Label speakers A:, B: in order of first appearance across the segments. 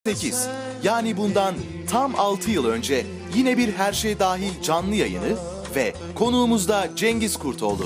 A: 8, yani bundan tam 6 yıl önce yine bir Her Şey Dahil canlı yayını ve konuğumuz da Cengiz Kurtoğlu.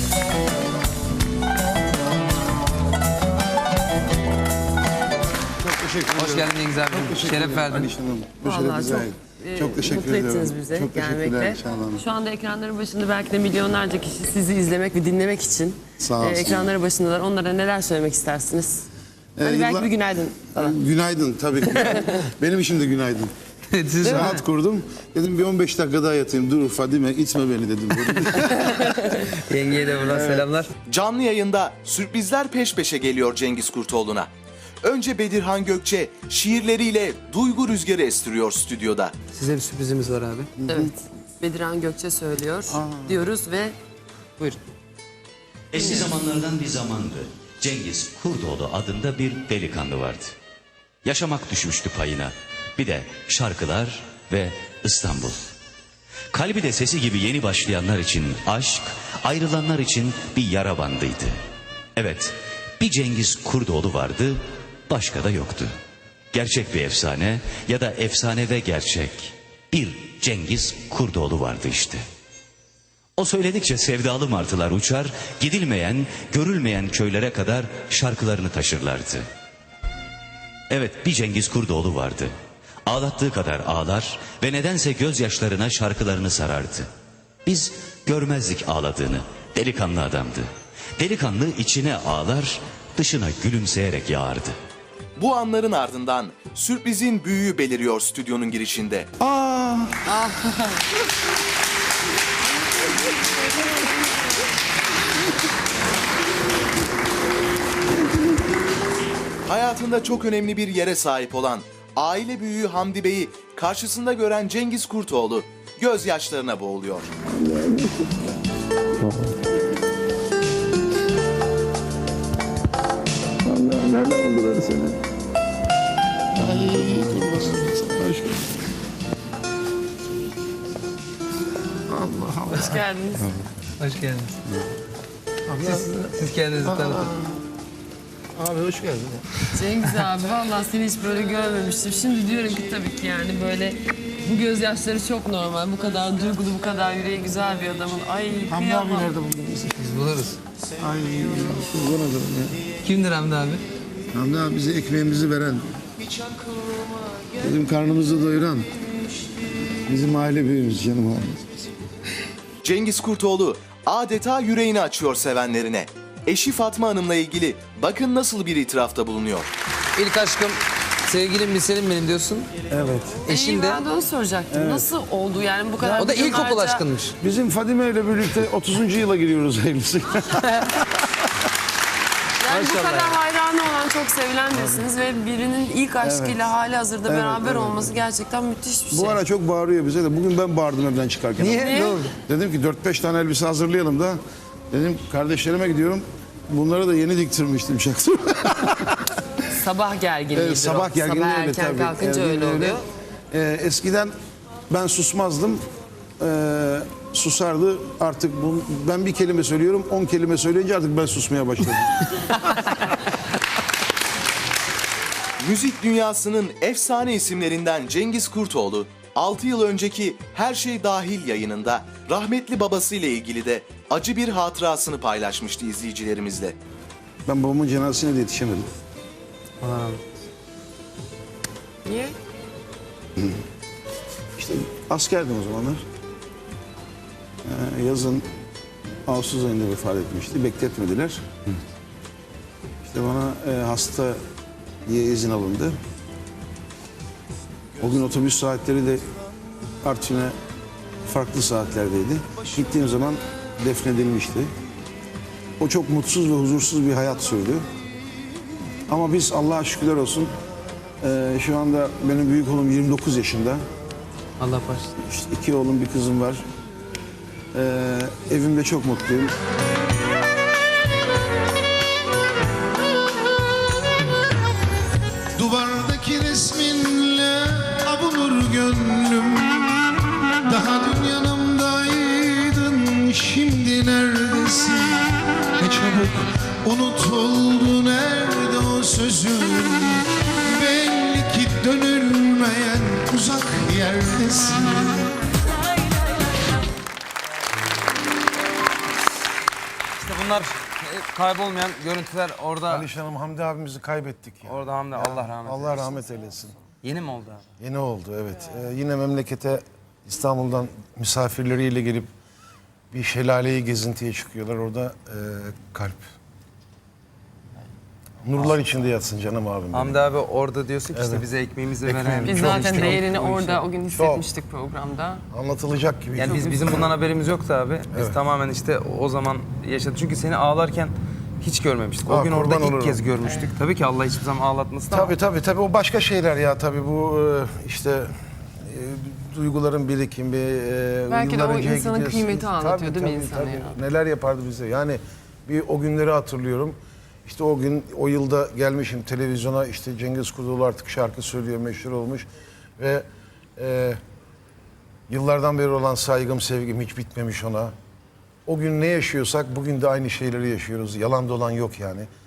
B: Çok teşekkür ederim.
C: Hoş geldin Cengiz abi. Şeref verdin.
B: Vallahi çok teşekkür
D: mutlu
B: ederim.
D: ettiniz bize
B: Çok teşekkürler
D: gelmekle.
B: Şahan Hanım.
D: Şu anda ekranların başında belki de milyonlarca kişi sizi izlemek ve dinlemek için
B: Sağ olsun.
D: ekranları başındalar. Onlara neler söylemek istersiniz? Hani belki
B: yıllar-
D: bir günaydın falan.
B: Günaydın tabii ki. Benim için de günaydın.
C: Siz
B: Saat kurdum. Dedim bir 15 dakika daha yatayım. Dur Fadime itme beni dedim.
C: Yengeye de buradan selamlar.
A: Canlı yayında sürprizler peş peşe geliyor Cengiz Kurtoğlu'na. Önce Bedirhan Gökçe şiirleriyle duygu rüzgarı estiriyor stüdyoda.
C: Size bir sürprizimiz var abi.
D: Evet. Bedirhan Gökçe söylüyor diyoruz ve
C: Buyurun.
E: Eski zamanlardan bir zamandı. Cengiz Kurdoğlu adında bir delikanlı vardı. Yaşamak düşmüştü payına. Bir de şarkılar ve İstanbul. Kalbi de sesi gibi yeni başlayanlar için aşk, ayrılanlar için bir yara bandıydı. Evet, bir Cengiz Kurdoğlu vardı, başka da yoktu. Gerçek bir efsane ya da efsane ve gerçek. Bir Cengiz Kurdoğlu vardı işte. O söyledikçe sevdalı martılar uçar, gidilmeyen, görülmeyen köylere kadar şarkılarını taşırlardı. Evet, bir Cengiz Kurdoğlu vardı. Ağlattığı kadar ağlar ve nedense gözyaşlarına şarkılarını sarardı. Biz görmezdik ağladığını, delikanlı adamdı. Delikanlı içine ağlar, dışına gülümseyerek yağardı.
A: Bu anların ardından sürprizin büyüğü beliriyor stüdyonun girişinde. Hayatında çok önemli bir yere sahip olan aile büyüğü Hamdi Bey'i karşısında gören Cengiz Kurtoğlu gözyaşlarına boğuluyor.
B: Allah nereden buldular seni? Ay kurban sana.
D: hoş geldiniz.
C: Hoş geldiniz. Siz kendinizi tanıtın.
B: Abi hoş geldin.
D: Cengiz abi vallahi seni hiç böyle görmemiştim. Şimdi diyorum ki tabii ki yani böyle bu gözyaşları çok normal. Bu kadar duygulu, bu kadar yüreği güzel bir adamın. Ay
B: Hamdi abi
D: kıyamam.
B: nerede buldunuz?
C: Biz buluruz.
B: Ay kurban olurum ya.
C: Kimdir Hamdi abi?
B: Hamdi abi bize ekmeğimizi veren, bizim karnımızı doyuran, bizim aile büyüğümüz canım abi.
A: Cengiz Kurtoğlu adeta yüreğini açıyor sevenlerine. Eşi Fatma Hanım'la ilgili bakın nasıl bir itirafta bulunuyor.
C: İlk aşkım, sevgilim bilselim benim diyorsun.
B: Evet.
C: Eşin de.
D: Ben de onu soracaktım. Nasıl oldu yani bu kadar?
C: O da ilkokul
D: milyonlarca-
C: aşkınmış.
B: Bizim Fadime ile birlikte 30. yıla giriyoruz evlisi.
D: Yani bu
C: Maşallah.
D: kadar hayranı olan, çok sevilen birisiniz ve birinin ilk aşkıyla hali hazırda beraber olması gerçekten müthiş bir şey.
B: Bu ara çok bağırıyor bize de. Bugün ben bağırdım evden çıkarken.
C: Niye? Ne oldu?
B: Dedim ki 4-5 tane elbise hazırlayalım da. Dedim kardeşlerime gidiyorum. Bunları da yeni diktirmiştim şahsen.
D: Sabah gerginliği.
B: Evet, sabah gerginliği
D: Sabah
B: öyle
D: erken
B: tabii.
D: kalkınca
B: Gerginliği
D: öyle oluyor.
B: Eskiden ben susmazdım. Susardı. Artık ben bir kelime söylüyorum. 10 kelime söyleyince artık ben susmaya başladım.
A: Müzik dünyasının efsane isimlerinden Cengiz Kurtoğlu, 6 yıl önceki Her Şey Dahil yayınında rahmetli babasıyla ilgili de acı bir hatırasını paylaşmıştı izleyicilerimizle.
B: Ben babamın cenazesine de yetişemedim.
D: Niye?
B: İşte askerdim o zamanlar. Yazın Ağustos ayında vefat etmişti. Bekletmediler. İşte bana hasta diye izin alındı. O gün otobüs saatleri de Artvin'e farklı saatlerdeydi. Gittiğim zaman defnedilmişti. O çok mutsuz ve huzursuz bir hayat sürdü. Ama biz Allah'a şükürler olsun şu anda benim büyük oğlum 29 yaşında.
C: Allah başlasın.
B: İşte 2 oğlum bir kızım var. Evimde çok mutluyum.
F: Duvardaki resminle abulur gönlüm. Daha dün yanımdaydın, şimdi neredesin? Ne çabuk unut oldu, nerede o sözün? Belli ki
C: kaybolmayan görüntüler orada.
B: Alişan Hanım, Hamdi abimizi kaybettik ya.
C: Orada Hamdi, Allah rahmet eylesin.
B: Allah rahmet eylesin.
C: Yeni mi oldu abi?
B: Yeni oldu, evet. Yine memlekete İstanbul'dan misafirleriyle gelip bir şelaleyi gezintiye çıkıyorlar. Orada kalp. Nurlar içinde yatsın canım abim benim.
C: Hamdi abi orada diyorsun ki işte
B: Evet.
C: bize ekmeğimizi
B: Ekmeğimizi
C: veren.
D: Biz
B: Çok
D: zaten
B: işte,
D: değerini
B: çok
D: orada o gün hissetmiştik programda.
B: Anlatılacak gibi.
C: Yani bizim bundan haberimiz yoktu abi. Biz tamamen işte o zaman yaşadık. Çünkü seni ağlarken hiç görmemiştik. O gün orada
B: kurban
C: ilk
B: olurum.
C: kez görmüştük. Tabii ki Allah hiçbir zaman ağlatmasın ama.
B: Tabii o başka şeyler ya tabii bu işte duyguların birikimi.
D: Belki de
B: yıllar
D: o
B: önceye
D: insanın
B: gidiyorsun.
D: kıymeti anlatıyor değil mi
B: Tabii,
D: insana ya?
B: Neler yapardı bize yani bir o günleri hatırlıyorum. İşte o gün o yılda gelmişim televizyona işte Cengiz Kurtoğlu artık şarkı söylüyor meşhur olmuş ve yıllardan beri olan saygım sevgim hiç bitmemiş ona. O gün ne yaşıyorsak bugün de aynı şeyleri yaşıyoruz. Yalan dolan yok yani.